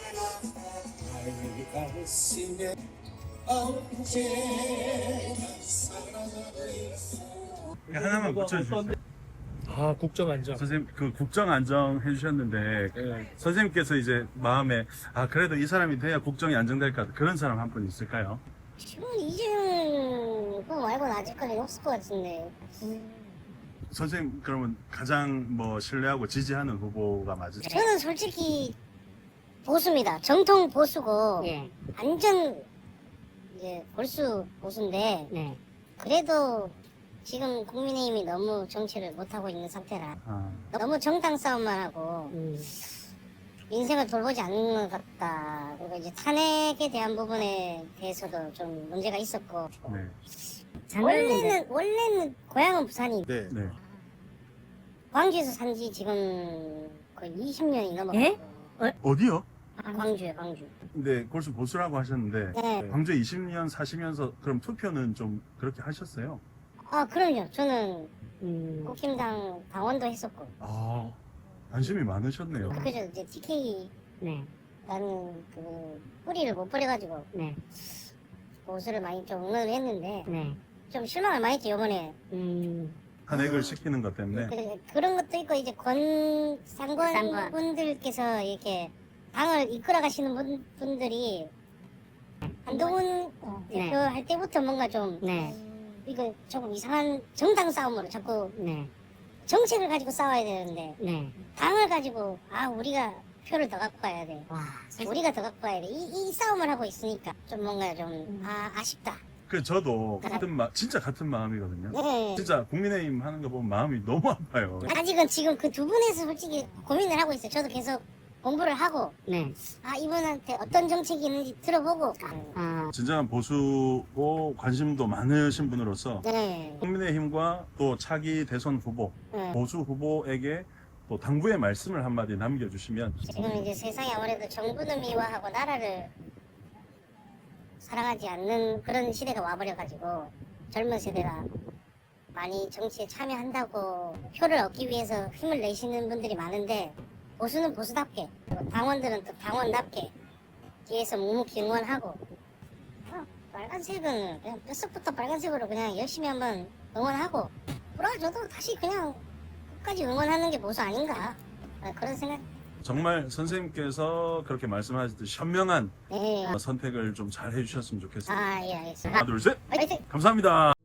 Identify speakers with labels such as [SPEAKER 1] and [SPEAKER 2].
[SPEAKER 1] 하나만 붙여주세요.
[SPEAKER 2] 아, 국정안정.
[SPEAKER 1] 선생님 그 국정 안정 해주셨는데
[SPEAKER 2] 네.
[SPEAKER 1] 선생님께서 이제 마음에 그래도 이 사람이 돼야 국정이 안정될 것 같아 그런 사람 한 분 있을까요?
[SPEAKER 3] 지금 이재명 그거 말고는 아직까지 없을 것 같은데.
[SPEAKER 1] 선생님 그러면 가장 뭐 신뢰하고 지지하는 후보가 맞으세요?
[SPEAKER 3] 저는 솔직히 보수입니다. 정통 보수고
[SPEAKER 4] 예.
[SPEAKER 3] 완전 이제 골수 보수인데
[SPEAKER 4] 네.
[SPEAKER 3] 그래도 지금 국민의힘이 너무 정치를 못하고 있는 상태라 너무 정당 싸움만 하고 민생을 돌보지 않는 것 같다. 그리고 이제 탄핵에 대한 부분에 대해서도 좀 문제가 있었고
[SPEAKER 1] 네.
[SPEAKER 3] 원래는 고향은 부산이
[SPEAKER 2] 네.
[SPEAKER 1] 네.
[SPEAKER 3] 광주에서 산지 지금 거의 20년이 넘었고
[SPEAKER 4] 예?
[SPEAKER 1] 어디요?
[SPEAKER 3] 광주요 광주.
[SPEAKER 1] 근데 골수 보수라고 하셨는데
[SPEAKER 3] 네.
[SPEAKER 1] 광주에 20년 사시면서 그럼 투표는 좀 그렇게 하셨어요?
[SPEAKER 3] 그럼요. 저는 국힘당 당원도 했었고
[SPEAKER 1] 관심이 많으셨네요.
[SPEAKER 3] 그죠. 이제 TK
[SPEAKER 4] 네.
[SPEAKER 3] 라는 그 뿌리를 못 버려가지고
[SPEAKER 4] 네.
[SPEAKER 3] 보수를 많이 좀 응원을 했는데
[SPEAKER 4] 네.
[SPEAKER 3] 좀 실망을 많이 했죠 이번에.
[SPEAKER 1] 탄핵을 시키는 것 때문에
[SPEAKER 3] 그런 것도 있고 이제 상관 분들께서 이렇게 당을 이끌어 가시는 분들이 한동훈 대표 할 때부터 뭔가 좀
[SPEAKER 4] 네.
[SPEAKER 3] 이거 조금 이상한 정당 싸움으로 자꾸
[SPEAKER 4] 네.
[SPEAKER 3] 정책을 가지고 싸워야 되는데
[SPEAKER 4] 네.
[SPEAKER 3] 당을 가지고 우리가 표를 더 갖고 가야 돼.
[SPEAKER 4] 와.
[SPEAKER 3] 우리가 더 갖고 가야 돼. 이 싸움을 하고 있으니까 좀 뭔가 좀 아쉽다.
[SPEAKER 1] 그 저도 진짜 같은 마음이거든요.
[SPEAKER 3] 네.
[SPEAKER 1] 진짜 국민의힘 하는 거 보면 마음이 너무 아파요.
[SPEAKER 3] 아직은 지금 그 두 분에서 솔직히 고민을 하고 있어요. 저도 계속 공부를 하고
[SPEAKER 4] 네.
[SPEAKER 3] 이분한테 어떤 정책이 있는지 들어보고
[SPEAKER 1] 진정한 보수고 관심도 많으신 분으로서
[SPEAKER 3] 네.
[SPEAKER 1] 국민의힘과 또 차기 대선 후보
[SPEAKER 3] 네.
[SPEAKER 1] 보수 후보에게 또 당부의 말씀을 한마디 남겨주시면.
[SPEAKER 3] 지금 이제 세상이 아무래도 정부는 미화하고 나라를 사랑하지 않는 그런 시대가 와버려가지고 젊은 세대가 많이 정치에 참여한다고 표를 얻기 위해서 힘을 내시는 분들이 많은데 보수는 보수답게 당원들은 또 당원답게 뒤에서 묵묵히 응원하고 빨간색은 그냥 뼛속부터 빨간색으로 그냥 열심히 한번 응원하고 불어줘도 다시 그냥 끝까지 응원하는 게 보수 아닌가 그런 생각.
[SPEAKER 1] 정말 선생님께서 그렇게 말씀하셨듯이 현명한
[SPEAKER 3] 네.
[SPEAKER 1] 선택을 좀 잘 해주셨으면 좋겠습니다.
[SPEAKER 3] 예 알겠습니다.
[SPEAKER 1] 하나 둘 셋
[SPEAKER 3] 화이팅!
[SPEAKER 1] 감사합니다.